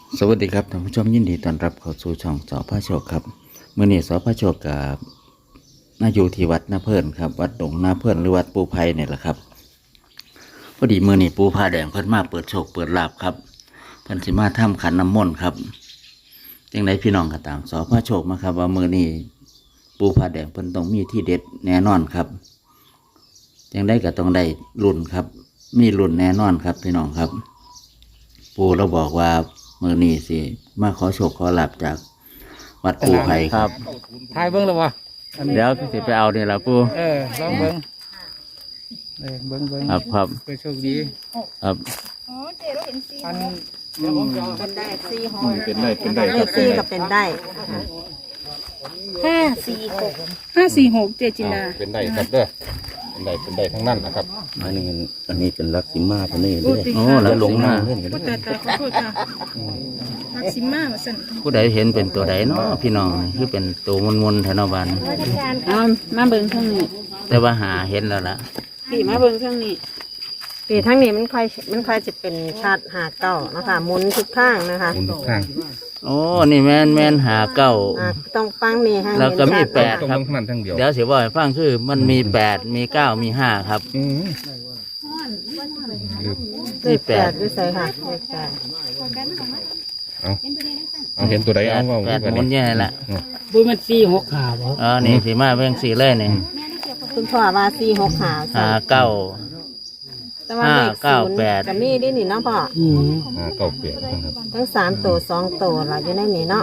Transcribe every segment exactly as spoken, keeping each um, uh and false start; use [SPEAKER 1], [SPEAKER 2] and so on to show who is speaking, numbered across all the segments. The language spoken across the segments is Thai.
[SPEAKER 1] สวัสดีครับท่านผู้ชมยินดีต้อนรับเข้าสู่ช่องสอพระโชคครับเมื่อนี้สอพระโชคกับนาอยู่ที่วัดนาเพิ่นครับวัดดงนาเพิ่นหรือวัดปูไผ่เนี่ยแหละครับพอดีเมื่อนี้ปูผ้าแดงเพิ่นมาเปิดโชคเปิดลาภครับเพิ่นสิมาทำขันน้ำมนต์ครับจังไดพี่น้องก็ตามสอพระโชคมาครับว่าเมื่อนี้ปูผ้าแดงเพิ่นต้องมีที่เด็ดแน่นอนครับจังไดก็ต้องได้รุ่นครับมีรุ่นแน่นอนครับพี่น้องครับปูเราบอกว่ามือนี้สิมาขอโชคขอลาบจากวัดปูไผ่ครับ
[SPEAKER 2] ทายเบิ้งแล้ววะ
[SPEAKER 1] เดี๋ยวสิไปเอาเนี่ยละปู
[SPEAKER 2] เออลองเบิ้งเออเบิ้งเบิ้ง
[SPEAKER 1] ครับครับ
[SPEAKER 2] ไปโชคดี
[SPEAKER 1] ครับ
[SPEAKER 3] อ๋อเจ๊เราเห็นสี
[SPEAKER 2] อันเดี๋ยวผมจะเอา
[SPEAKER 4] เป็นได้สี่ห
[SPEAKER 2] อื
[SPEAKER 4] ก
[SPEAKER 2] มเป็นได้เป็นได้ค
[SPEAKER 4] เล
[SPEAKER 2] รับ
[SPEAKER 4] ขสี่ก็เป็นได้
[SPEAKER 3] ห้าสี่หกห้าสี่หกเจจินดา
[SPEAKER 2] เป็นได้ครับเด้อเป็นได้เป็นได้ทั้งนั้นนะครับ
[SPEAKER 5] อันนี้อันนี้เป็นลักษิมาพันนี่
[SPEAKER 3] โอ้
[SPEAKER 5] เด้
[SPEAKER 3] ติ
[SPEAKER 1] โอ้
[SPEAKER 3] ค่ะ
[SPEAKER 1] แล้วลงมา
[SPEAKER 5] เล่นกัน
[SPEAKER 3] โอ้แต่แต่ขอโทษค่ะมักซิม่ามาสั่น
[SPEAKER 1] ผู้ใดเห็นเป็นตัวใดเนาะพี่น้องคือเป็นตัวมนมนๆแถวนบัน
[SPEAKER 6] เอามาเบิ่งข้างนี้
[SPEAKER 1] แต่ว่าหาเห็นแล้วล่ะ
[SPEAKER 6] พี่มาเบิ่งข้างนี้
[SPEAKER 4] ปีทั้งนี้มันค่อยมันค่อยจะเป็นชาติหาเก้านะคะหมุนทุกข้างนะคะ
[SPEAKER 2] หมุนทุกข้าง
[SPEAKER 1] โอ้นี่แมนแมนหาเก้า
[SPEAKER 4] อ่าต้องฟังนี่ให้
[SPEAKER 1] แล้วก็มี
[SPEAKER 4] เห็นชัด
[SPEAKER 1] แปด
[SPEAKER 2] ตรง
[SPEAKER 1] ครับ
[SPEAKER 2] ทั้งนั้นทั้งเดียว
[SPEAKER 1] เดี๋ยวสิว่าให้ฟังคือมันมีแปดมีเก้ามีห้าครับ
[SPEAKER 2] อืมลืม
[SPEAKER 4] เลขแปดด้วยใส่ค่ะเลขแปด
[SPEAKER 2] เอาเอาเห็นตัวใด
[SPEAKER 1] แป
[SPEAKER 2] เอา
[SPEAKER 1] ด
[SPEAKER 2] เอา
[SPEAKER 1] แปดหมุนแย่ละ
[SPEAKER 6] บุ้ยมันสี่หกขาบ่
[SPEAKER 1] เออนี่สีมาเบ่งสีเลยนี่
[SPEAKER 4] คุณพ่อว่าสี่หกหา
[SPEAKER 1] หาเก้า
[SPEAKER 4] แต่ว่าเลข
[SPEAKER 1] ห้าเก้า
[SPEAKER 4] ศูนย์
[SPEAKER 1] แปด
[SPEAKER 4] ก็มีดิหนิเนาะพ่อ
[SPEAKER 6] อืม
[SPEAKER 2] อ่าเก้าเปลี่ยนครับ
[SPEAKER 4] ทั้งสามตัวสองตัวเราอยู่ในนี้เนาะ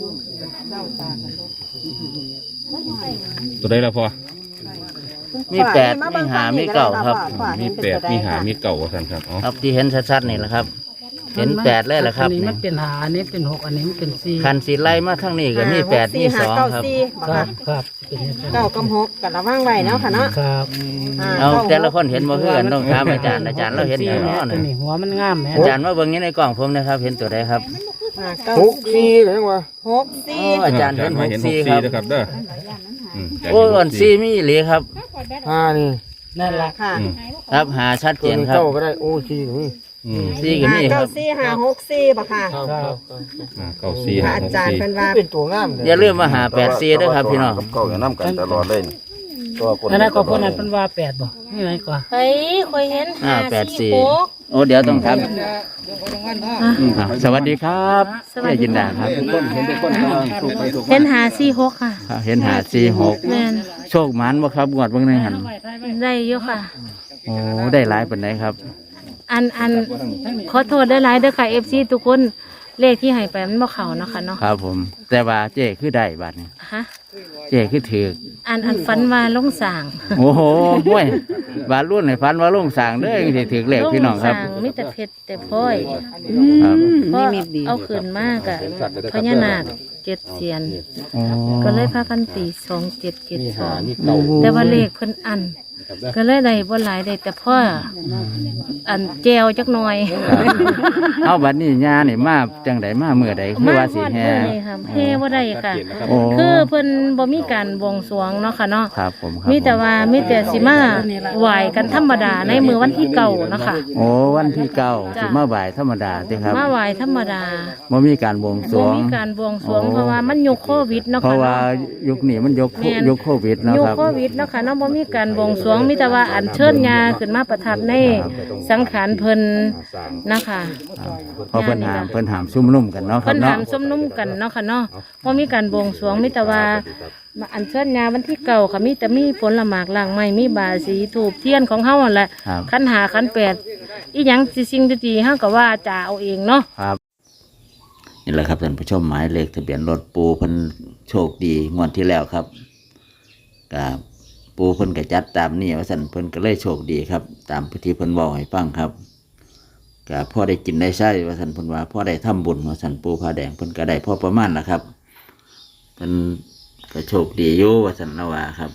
[SPEAKER 2] ตัวใดแล้วพอ
[SPEAKER 1] มีแปดมีหามีเก้าครับ
[SPEAKER 4] พ่อ
[SPEAKER 2] มี
[SPEAKER 4] เห็นเป็น
[SPEAKER 2] แปด
[SPEAKER 4] ตัวใด
[SPEAKER 2] มีหา
[SPEAKER 4] ค่ะ
[SPEAKER 2] มีเก่าท่านครับเอา
[SPEAKER 1] ครับที่เห็นชัดๆนี่แหละครับ เห็นแปดเลยแหละครับ
[SPEAKER 6] อันนี้
[SPEAKER 1] นี่
[SPEAKER 6] มันเป็นหาอันนี้เป็นหกอันนี้มันเป็นสี่
[SPEAKER 1] คันสีไล่มาทั้งนี้ก็มีแปดมีสองครับ
[SPEAKER 4] สี่
[SPEAKER 6] ค
[SPEAKER 4] หา
[SPEAKER 6] รับ
[SPEAKER 4] เก้าสี่
[SPEAKER 6] ครับเป็นอย่างนั้น
[SPEAKER 4] เก้ากับหกกับระว่างไว้เนาะค่ะเนาะ
[SPEAKER 6] ครับ
[SPEAKER 4] อ่า
[SPEAKER 1] เอา
[SPEAKER 4] ก้
[SPEAKER 1] แต่ละคนเห็นบ่คือกันต้องถามอาจารย์อาจารย์เราเห็นอย่าง
[SPEAKER 6] สี่
[SPEAKER 1] น้อ
[SPEAKER 6] ตัว
[SPEAKER 1] นะ
[SPEAKER 6] นี้หัวมันงามแหม
[SPEAKER 1] อาจารย์มาเบิ่งนี้ในกล่องผมนะครับ เห็นตัวใดครับ
[SPEAKER 4] อ่าเก้า
[SPEAKER 5] หกสี่เลยจังวะ
[SPEAKER 4] หกสี่
[SPEAKER 1] โอ้อาจารย์เห็นหก
[SPEAKER 2] เห็นห
[SPEAKER 1] สี่
[SPEAKER 2] ก
[SPEAKER 1] ครับ
[SPEAKER 2] นะครับเด้ออืมอาจารย์
[SPEAKER 1] โอ้
[SPEAKER 2] เห็นห
[SPEAKER 1] อ่อน
[SPEAKER 2] ก
[SPEAKER 1] สี่มีอีหลีครับ
[SPEAKER 5] ห้านี่
[SPEAKER 6] นั่นละ
[SPEAKER 4] ค่ะ
[SPEAKER 2] อืม
[SPEAKER 1] ครับหาชัดเจ
[SPEAKER 5] ตัวน นี้
[SPEAKER 1] ครับ
[SPEAKER 5] เก้าก็ได้โอ้สี่ก็มี
[SPEAKER 2] อืม
[SPEAKER 1] สี่ก็มีค
[SPEAKER 4] เก้า
[SPEAKER 1] รับ
[SPEAKER 4] สี่ห้าหกสี่ป่ะค่ะ
[SPEAKER 5] ครับครับ
[SPEAKER 2] อ่าเก้าสี่
[SPEAKER 4] พระ
[SPEAKER 2] ห้า
[SPEAKER 4] อา
[SPEAKER 2] หก
[SPEAKER 4] จารย์
[SPEAKER 2] สี่
[SPEAKER 4] เป็นว่า
[SPEAKER 5] เป็นตัวงามเลย
[SPEAKER 1] อย่าลืมมาหาแปดสี่ด้วยครับพี่น้อง
[SPEAKER 5] กับเก้าอย่างน้ำกันตลอดเลยนี่ตัวคน
[SPEAKER 6] นั่นนะก็คนนั้นเป็นว่าแปดบ่นี่ไงกว่า
[SPEAKER 3] เฮ้ยคอยเห็น
[SPEAKER 1] ห้า
[SPEAKER 3] ห้า
[SPEAKER 1] แปด
[SPEAKER 3] สี่
[SPEAKER 1] สี่
[SPEAKER 3] หก
[SPEAKER 1] โอ้เดี๋ยวต้องครับอืมครับสวัสดีครับแม่จินดาครับ
[SPEAKER 3] เห็นหาสี่หกค่ะ
[SPEAKER 1] ครับเห็นหาสี่หก
[SPEAKER 3] แม่น
[SPEAKER 1] โชคหมันบ่ครับงวดเบิ่งในหัน
[SPEAKER 3] ได้เยอะค่ะ
[SPEAKER 1] โอ้ได้หลายปานใดครับ
[SPEAKER 3] อันอันขอโทษได้หลายเด้อค่ะเอฟซีทุกคนเลขที่ให้ไปมันบ่เข้าเนาะค่ะเนาะ
[SPEAKER 1] ครับผม แต่ว่าเจ้คือได้บัดนี้
[SPEAKER 3] ฮะ
[SPEAKER 1] เจ้คือถือ
[SPEAKER 3] อันอันฝันว่าลงสร้าง
[SPEAKER 1] โอ้โหห้วยบาดรุ่นให้ฟันว่าลุงสร้างเด้อสิถือเลขพี่น้องครับ
[SPEAKER 3] ลสางมีแต่เพชรแต่พลอย
[SPEAKER 1] ครับ
[SPEAKER 3] เพราะเอาคืนมากอะพญานาคเจ็ดเสียน
[SPEAKER 1] โอ้
[SPEAKER 3] ก็เลยพากันตีสองเจ็ดเจ็ดสองแต่ว่าเลขเพิ่นอัน ก็เลยได้บ่หลายได้แต่พ่ออันแจวจักหน่อย
[SPEAKER 1] เอาบัดนี้ญานี่มาจังไดมาเมื่อใดคือว่าสิแฮ
[SPEAKER 3] มาฮอดมื้อนี้ค่ะแฮ่บ่ได้ค่ะ
[SPEAKER 1] โอ้
[SPEAKER 3] คือเพิ่นบ่มีการบวงสรวงเนาะค่ะเนาะ
[SPEAKER 1] ครับผมครับ
[SPEAKER 3] มีแต่ว่ามีแต่สิมาไหว้กันธรรมดาในมือวันที่เก่าเนาะค่ะ
[SPEAKER 1] โอ้วันที่เก้า
[SPEAKER 3] จ้ะ
[SPEAKER 1] สิมาบ่ายธรรมดาติครับ
[SPEAKER 3] มาไหว้ธรรมดา
[SPEAKER 1] บ่มีการบวงสร
[SPEAKER 3] บ่
[SPEAKER 1] วง
[SPEAKER 3] มีการบวงสรวง
[SPEAKER 1] โอ้
[SPEAKER 3] เพราะว่ามันยุคโควิดเนาะ
[SPEAKER 1] เพ
[SPEAKER 3] ค่ะ
[SPEAKER 1] ราะว่า
[SPEAKER 3] เนาะ
[SPEAKER 1] ยุคนี้มันยกโค
[SPEAKER 3] แม่น
[SPEAKER 1] ยุคโควิดเนาะ
[SPEAKER 3] ยุค
[SPEAKER 1] ครับ
[SPEAKER 3] โควิดเนาะค่ะเนาะบ่มีการบวงสรวงมีแต่ว่าอัญเชิญญาขึ้นมาประทับในสังขารเพิ่นนะคะ
[SPEAKER 1] เพราะเพิ่นหามเพิ่นหามซุ่มนุ่มกันเนาะครั
[SPEAKER 3] เพิ่
[SPEAKER 1] บ
[SPEAKER 3] น
[SPEAKER 1] เนาะ
[SPEAKER 3] ถามสมนุ่มกันเนาะค่ะเนาะบ่มีการบวงสรวงมีแต่ว่าอัญเชิญญาวันที่เก่าค่ะมีแต่มีผลละหมากล่างไม้มีบาสีถูกเทียนของเฮานั่นแหละ
[SPEAKER 1] ครับ
[SPEAKER 3] ขันหาขันแปดอีหยังสิสิ่งดีๆเฮาก็ว่าจะเอาเองเนาะ
[SPEAKER 1] ครับนี่แหละครับท่านผู้ชมหมายเลขทะเบียนรถปูเพิ่นโชคดีงวดที่แล้วครับกับปูเพิ่นก็จัดตามนี่ว่าซั่นเพิ่นก็เลยโชคดีครับ ตามพิธีเพิ่นเว้าให้ฟังครับก็พ่อได้กินได้ใช้ว่าซั่นเพิ่นว่าพ่อได้ทำบุญว่าซั่นปูผ้าแดงเพิ่นก็ได้พอประมาณนะครับเพิ่นก็โชคดีอยู่ว่าซั่นละว่าครับ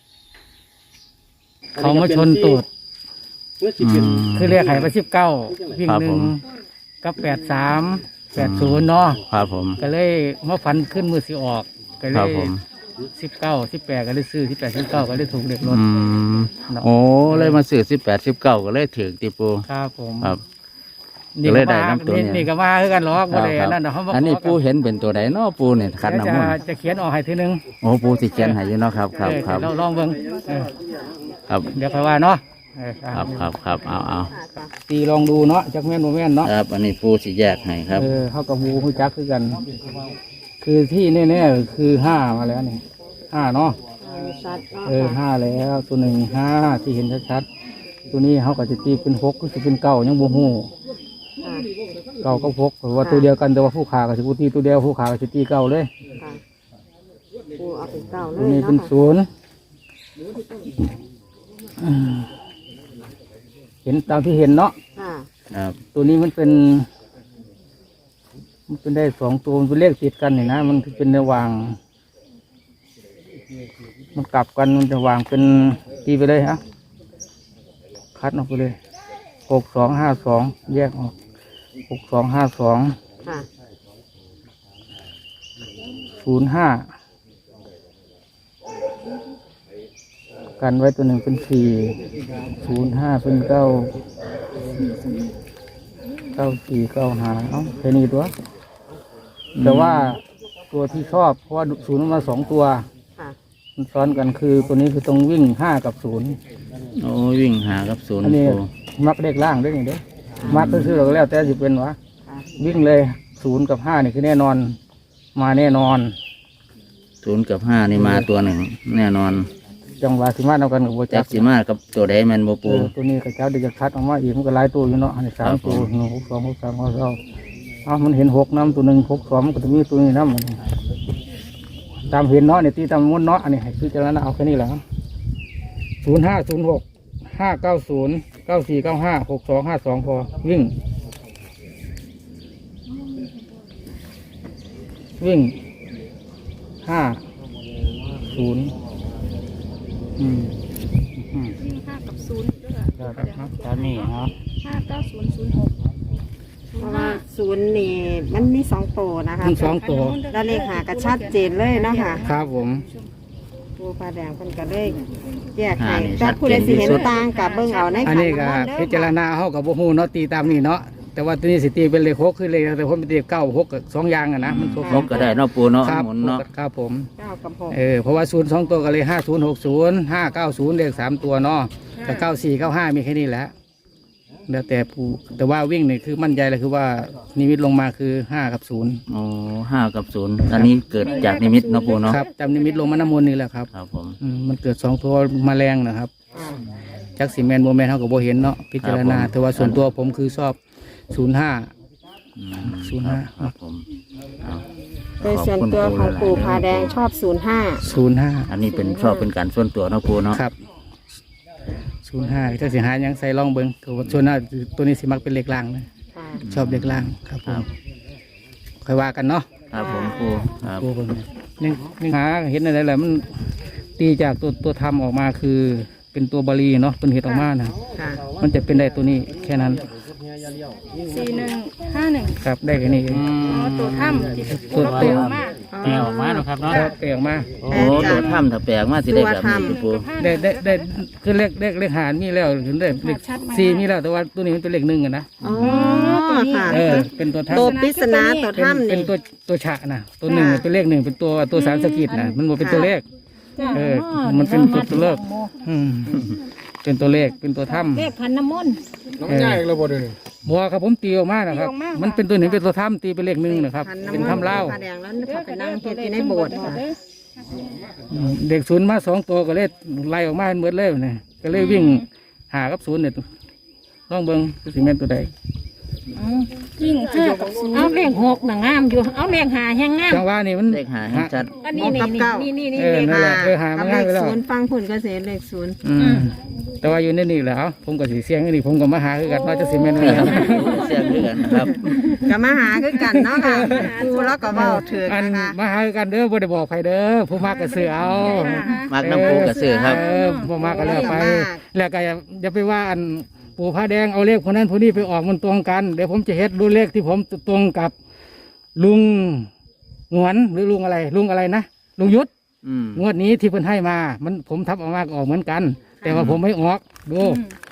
[SPEAKER 6] เขามาชนตูด
[SPEAKER 1] อืม
[SPEAKER 6] คือเรียกไข่ไปสิบเก้าวิ่ง
[SPEAKER 1] ครับ
[SPEAKER 6] หนึ่
[SPEAKER 1] ผ
[SPEAKER 6] ง
[SPEAKER 1] ม
[SPEAKER 6] กับแปดสามแปดศูนย์เนาะ
[SPEAKER 1] ครับผม
[SPEAKER 6] ก็เลยมาฟันขึ้นมือสิออกก็เล
[SPEAKER 1] ครับ
[SPEAKER 6] ย
[SPEAKER 1] ผม
[SPEAKER 6] สิบเก้าสิบแปดก็เลยซื้อสิบแปดสิบเก้าก็เลยถูกเด็กรถ
[SPEAKER 1] อืมโอ้เลยมาซื้อสิบแปดสิบเก้าก็เลยถึงติปู
[SPEAKER 6] ครับผม
[SPEAKER 1] ครับก็เลยได้น้ำตัวเนี่ย
[SPEAKER 6] นี่ก็มาคือกันหรอก
[SPEAKER 1] ครั
[SPEAKER 6] บ่
[SPEAKER 1] บ
[SPEAKER 6] ได้
[SPEAKER 1] ครับ
[SPEAKER 6] นั่นเนาะเขา
[SPEAKER 1] อันนี้ปูเห็นเป็นตัวใดเนาะปูเนี่ยขัน
[SPEAKER 6] เดี๋ยว
[SPEAKER 1] น้ำ
[SPEAKER 6] จะ
[SPEAKER 1] มนต์
[SPEAKER 6] จะเขียนออกให้ทีนึง
[SPEAKER 1] โอ้ปูสิเขียนให้อยู่เนาะครับครับ
[SPEAKER 6] เออ
[SPEAKER 1] ครับ
[SPEAKER 6] เราลองเบิ่งเออ
[SPEAKER 1] ครับ
[SPEAKER 6] เดี๋ยวค่อยว่าเนาะเออ
[SPEAKER 1] ครับครับครับเอาเอา
[SPEAKER 4] ค่ะจ้ะ
[SPEAKER 6] ตีลองดูเนาะจักแม่นบ่แม่นเนาะ
[SPEAKER 1] ครับอันนี้ปูสิแยกให้ครับ
[SPEAKER 6] เออเขากับหูฮู้จักคือกัน คือที่แน่ๆคือห้ามาแล้วนี่ห้าเนาะ
[SPEAKER 4] เออชัดเนาะ
[SPEAKER 6] เออห้าแล้วตัวหนึ่งห้าที่เห็นชัดๆตัวนี้เขาก็จะตีเป็นหกก็จะเป็นเก้ายังบ่ฮู้
[SPEAKER 4] ค่ะ
[SPEAKER 6] เก้าก็หกเพราะว่าตัวเดียวกันแต่ว่าผู้ขากับสิบุตีตัวเดียวผู้ขากับสิตีเก้าเลย
[SPEAKER 4] ค่ะปูเอาเป็นเก้าเล
[SPEAKER 6] ตัวย นี้เป็น
[SPEAKER 4] เนาะค่ะ
[SPEAKER 6] ศูนย์อืมเห็นตามที่เห็นเนาะ
[SPEAKER 4] ค่ะ
[SPEAKER 1] ครับ
[SPEAKER 6] ตัวนี้มันเป็น มันเป็นได้สองตัวมันเป็นเลขติดกันนี่นะมันเป็นระหว่าง มันกลับกันมันจะวางเป็นตีไปเลยฮะคัดออกไปเลยหกสองห้าสองแยกออกหกสองห้าสอง
[SPEAKER 4] ค่ะ
[SPEAKER 6] ศูนย์ห้ากันไว้ตัวหนึ่งเป็นสี่ศูนย์ห้าเป็นเก้าเก้าสี่เก้าห้าเอ้าแค่นี้ตัว แต่ว่าตัวที่ชอบเพราะว่าศูนย์มันมาสองตัว
[SPEAKER 4] ค่ะ
[SPEAKER 6] มันซ้อนกันคือตัวนี้คือตรงวิ่งห้ากับศูนย์
[SPEAKER 1] โอ้วิ่งหากับศูนย์
[SPEAKER 6] อันนี้
[SPEAKER 1] ปู
[SPEAKER 6] มักเด็กล่างด้วยนี่เด้มักก็คือเราก็แล้วแต่สิเป็นวะ
[SPEAKER 4] ค่ะ
[SPEAKER 6] วิ่งเลยศูนย์กับห้านี่คือแน่นอน มาแน่นอน
[SPEAKER 1] ศูนย์กับห้านี่มาตัวหนึ่งแน่นอน
[SPEAKER 6] จังหวะสิมาเอากันกับโบ
[SPEAKER 1] จั
[SPEAKER 6] จั
[SPEAKER 1] ก
[SPEAKER 6] ก
[SPEAKER 1] สิมากับตัวใดแมันบ่
[SPEAKER 6] เอ
[SPEAKER 1] ปู
[SPEAKER 6] อตัวนี้กระเจ้าเดี๋ยวจะคัดออกมาอีกมันก็หลายตัวอยู่เนาะอันนี้สาม
[SPEAKER 1] ครับผม
[SPEAKER 6] ตัวหนึ่งหกสองหกสามหกสองอ้าวมันเห็นหกน้ำตัวหนึ่งหกสองมันก็จะมีตัวนี้น้ำตามเห็นเนาะเนี่ยตีตามม้วนเนาะอันนี้ให้คือจะนั้นเอาแค่นี้แหละศูนย์ห้าศูนย์หกห้าเก้าศูนย์เก้าสี่เก้าห้าหกสองห้าสองพอวิ่ง วิ่งห้าศูนย์อืมอืม
[SPEAKER 3] วิ่งห้ากับศูนย์ด้วย
[SPEAKER 6] ครับตอนนี้ครับ
[SPEAKER 3] ห้าเก้าศูนย์ศูนย์หกศู
[SPEAKER 4] เพ
[SPEAKER 3] น
[SPEAKER 4] ราะ
[SPEAKER 3] ย์
[SPEAKER 4] ว่า
[SPEAKER 3] ห้า
[SPEAKER 4] ศูนย์นี่มันมีสองตัวนะคะ
[SPEAKER 6] ทั้งสองตัว
[SPEAKER 4] แล้วเลขหากระชัดเจนเลยเนาะค่ะ
[SPEAKER 6] ครับผม
[SPEAKER 4] ปูปลาแดงเพิ่นก็เลยแยกให้แต่ผู้ใดสิเห็นต่างกับเบิ่งเอาใน
[SPEAKER 6] อัน
[SPEAKER 4] ขัน
[SPEAKER 6] นี้ก็
[SPEAKER 4] น้ำมนต์เด้อ
[SPEAKER 6] พิจารณาเขากับโบฮูเนาะตีตามนี่เนาะแต่ว่าตัวนี้สิตีเป็นเลขหกคือเลขแต่ผมเป็นเลขเก้าหกกับสองอย่างอะนะมัน
[SPEAKER 1] นกก็ได้เนาะปูเนาะ
[SPEAKER 6] ครับ
[SPEAKER 1] หมุนเนาะ
[SPEAKER 6] ครับผม
[SPEAKER 4] เก้ากับหก
[SPEAKER 6] เออเพราะว่าศูนย์สองตัวก็เลยห้าศูนย์หกศูนย์ห้าเก้าศูนย์เลขสามตัวเนาะแต่เก้าสี่เก้าห้ามีแค่นี้แหละแล้วแต่ผู้แต่ว่าวิ่งนี่คือมั่นใจเลยคือว่านิมิตลงมาคือห้ากับศูนย์
[SPEAKER 1] โอ้ห้ากับศูนย์อันนี้เกิดจากนิมิตเนาะปูเนาะ
[SPEAKER 6] ครับจำนิมิตลงมาน้ำมนต์นี่แหละครับ
[SPEAKER 1] ครับผม
[SPEAKER 6] อืมมันเกิดสองตัวแมาแรงนะครับจักสีแมนโมแมนเขากับโบเห็นเนาะพิจารณาแต่ว่าส่วนตัวผมคือชอบศูนย์ห้า
[SPEAKER 1] อืม
[SPEAKER 6] ศูนย์ห้า
[SPEAKER 1] ครับผมเอา
[SPEAKER 4] โดยส่วนตัวของปู่พาแดงชอบศูนย์ห้า
[SPEAKER 6] ศูนย์ห้า
[SPEAKER 1] อันนี้เป็นชอบเป็นการส่วนตัวเนาะปูเนาะ
[SPEAKER 6] ครับศูนย์ห้าจักสีหายังใส่ล่องเบิ้งตัวส่วนหน้าตัวนี้สิมักเป็นเลขล่างนะ
[SPEAKER 4] ค่ะ
[SPEAKER 6] ชอบเลขล่างครับผ
[SPEAKER 1] ครั
[SPEAKER 6] ม
[SPEAKER 1] บ
[SPEAKER 6] ค่อยว่ากันเนาะ
[SPEAKER 1] ครับผมปูครับ
[SPEAKER 6] ตัวเบิ้งนี่นี่หาเห็นอะไรแหละมันตีจากตัวตัวทำออกมาคือเป็นตัวบาลีเนาะเป็นเห็ดออกมานะ
[SPEAKER 4] ค่ะ
[SPEAKER 6] มันจะเป็นได้ตัวนี้แค่นั้น
[SPEAKER 3] สี่หนึ่งห้าหนึ่ง
[SPEAKER 6] ครับได้แค่นี้เอง
[SPEAKER 3] อ๋อตัวถ้ำที่
[SPEAKER 6] ตัว
[SPEAKER 3] เราเปลวมาก
[SPEAKER 6] แปลออกมาเนาะครับเนาะแปลออกมา
[SPEAKER 1] โอ้ตัวถ้ำถ้าแปลกมากสิได้แบบนี้สิปู
[SPEAKER 6] ได้ได้ได้คือเลขเลขเลขหารมีแล้วถึงได้เลขสี่มีแล้วแต่ว่าตัวนี้มันเป็นเลขหนึ่งอะนะ
[SPEAKER 4] อ๋อค่ะ
[SPEAKER 6] เออเป็นตัวทับ
[SPEAKER 4] ตัวปริศนาตัว
[SPEAKER 6] เป็น
[SPEAKER 4] ถ้ำ
[SPEAKER 6] เป็น
[SPEAKER 4] นี่
[SPEAKER 6] ตัวตัวฉะนะตัวหนึ่งเป็นเลขหนึ่งเป็นตัวตัวสารสกิดนะมันบ่เป็นตัวเลข เออมันเป็นตัวตัวเลขอืมเป็นตัวเลขเป็นตัวถ้
[SPEAKER 3] เลขขันน้ำมนต์
[SPEAKER 6] ำเออบัวครับผมตีออกมานะครับ
[SPEAKER 3] ตีออกมา
[SPEAKER 6] มันเป็นตัวหนึ่งเป็นตัวถ้ำตีเป็นเลขหนึ่งนะครับ
[SPEAKER 4] ขันน้ำ
[SPEAKER 6] เป็น
[SPEAKER 4] มนต์
[SPEAKER 6] ถ้ำเล่า
[SPEAKER 4] พาแดงแล้วเขาไปนั่งเฮ็ดอยู่ในโบสถ์ค่ะ
[SPEAKER 6] อืมเด็กศูนย์มาสองตัวก็เลยไล่ออกมาเหมือนเลยเนี่ยก็เลยวิ่งหากับศูนย์เนี่ยลองเบิ้งสิแม่นตัวใด
[SPEAKER 3] ยิ่งห้ากับศูนย์เอาเลขหกน่ะงามอยู่ เอาเลขหาแห้งงาม
[SPEAKER 6] จังหวะนี่มัน
[SPEAKER 1] เลขหาให้ชัด
[SPEAKER 3] อันนี้นี่นี่นี่นี่
[SPEAKER 6] เออ
[SPEAKER 3] เลข
[SPEAKER 6] นั่นแหละเออหา
[SPEAKER 4] กั
[SPEAKER 6] มา
[SPEAKER 4] บเล
[SPEAKER 6] ง่าย
[SPEAKER 4] ข
[SPEAKER 6] ไปแล้ว
[SPEAKER 4] ศูนย์ฟังผลก็เสียเลขศูนย์
[SPEAKER 6] อืมแต่ว่าอยู่ในนี่แหละผมก็สีเสียงอันนี่ผมก็มาหาคือกันว่าจะสิแม่นอะไรครับ
[SPEAKER 1] เสียงด้วยกันครับ
[SPEAKER 4] ก็มาหาคือกันเนาะค่ะปูแล้วก็เว้าถือ
[SPEAKER 6] อั
[SPEAKER 4] กัน นนะคะ
[SPEAKER 6] มาหาคือกันเด้อบ่ได้บอกใครเด้อผู้มากก็ซื้อเอา
[SPEAKER 1] มากน้ำปูกระสือครับ
[SPEAKER 6] เออผู้มากก็เลือกไป แล้วก็อย่าอย่าไปว่าอันปู่ผ้าแดงเอาเลขคนนั้นคนนี้ไปออกมันตรงกันเดี๋ยวผมจะเฮ็ดดูเลขที่ผมตรงกับ ลุงหงวนหรือลุงอะไร ลุงอะไรนะลุงยุทธ
[SPEAKER 1] อืม
[SPEAKER 6] งวดนี้ที่เพิ่นให้มา มันผมทับออกมาก็ออกเหมือนกัน แต่ว่าผมไม่ออกดู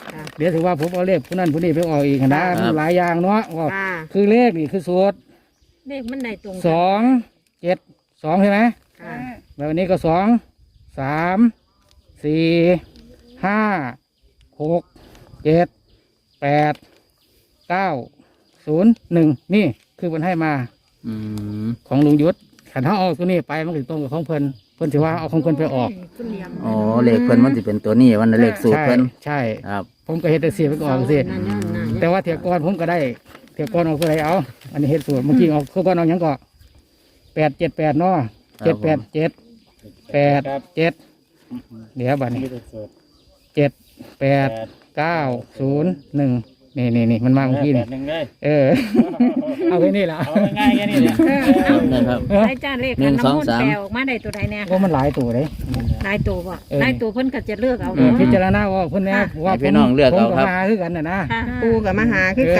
[SPEAKER 4] ค่ะ
[SPEAKER 6] เดี๋ยวถือว่าผมเอาเลขผู้นั้นผู้นี้ไปออกอีกนะมันหลายอย่างเนาะว่า
[SPEAKER 4] ค่ะ
[SPEAKER 6] คือเลขนี่คือสูตร
[SPEAKER 3] เลขมันได้ตรง
[SPEAKER 6] สองเจ็ดสองใช่ไหม
[SPEAKER 4] ค่ะ
[SPEAKER 6] แล้ววันนี้ก็สองสามสี่ห้าหกเจ็ดแปดเก้าศูนย์หนึ่งนี่คือมันให้มา
[SPEAKER 1] อืม
[SPEAKER 6] ของลุงยุทธขันเขาเอาตัวนี้ไปมันถึงตรงกับของเพิ่นเพิ่นถือว่าเอาของเพิ่นไปออก
[SPEAKER 1] อ๋อเลขเพิ่นมันสิเป็นตัวนี้วันนั้นเลขสูตร
[SPEAKER 6] ใช่
[SPEAKER 1] เพิ่น
[SPEAKER 6] ใช่
[SPEAKER 1] ครับ
[SPEAKER 6] ผมก็เฮ็ดแต่เสียไปก่อนสิแต่ว่าเถียกรผมก็ได้เถียกรออกตัวไหนเอา อันนี้เฮ็ดสูตรเมื่อกี้ออกเขาก็เอาหยังก็แปดเจ็ดแปดเนาะเจ็ดแปดเจ็ดแปดเจ็ดเดี๋ยวบัดนี้เจ็ดแปดเก้าศูนย์หนึ่งนี่นี่นี่มันมาเมื่อกี้นี่เออ เอาแค่นี้ละเอาง่ายแค่นี้เลย
[SPEAKER 1] นะครับ
[SPEAKER 3] ได้จ้าเลข
[SPEAKER 1] หนึ่งสองสาม
[SPEAKER 3] แปลออกมาได้ตัวใดแน่
[SPEAKER 6] ว่ามันหลายตัวเลย
[SPEAKER 3] นายตัวบ่
[SPEAKER 6] เออ
[SPEAKER 3] นายตัวเพิ่นก็จะเลือกเอา
[SPEAKER 6] เออพิจารณาว่าเพิ่นแน่ว่า
[SPEAKER 1] ให้พี่น้องเลือกเอาครับ
[SPEAKER 6] ผมก็หาคือกันน่ะนะ
[SPEAKER 3] ค่ะ
[SPEAKER 4] ปูกับมาหาคือ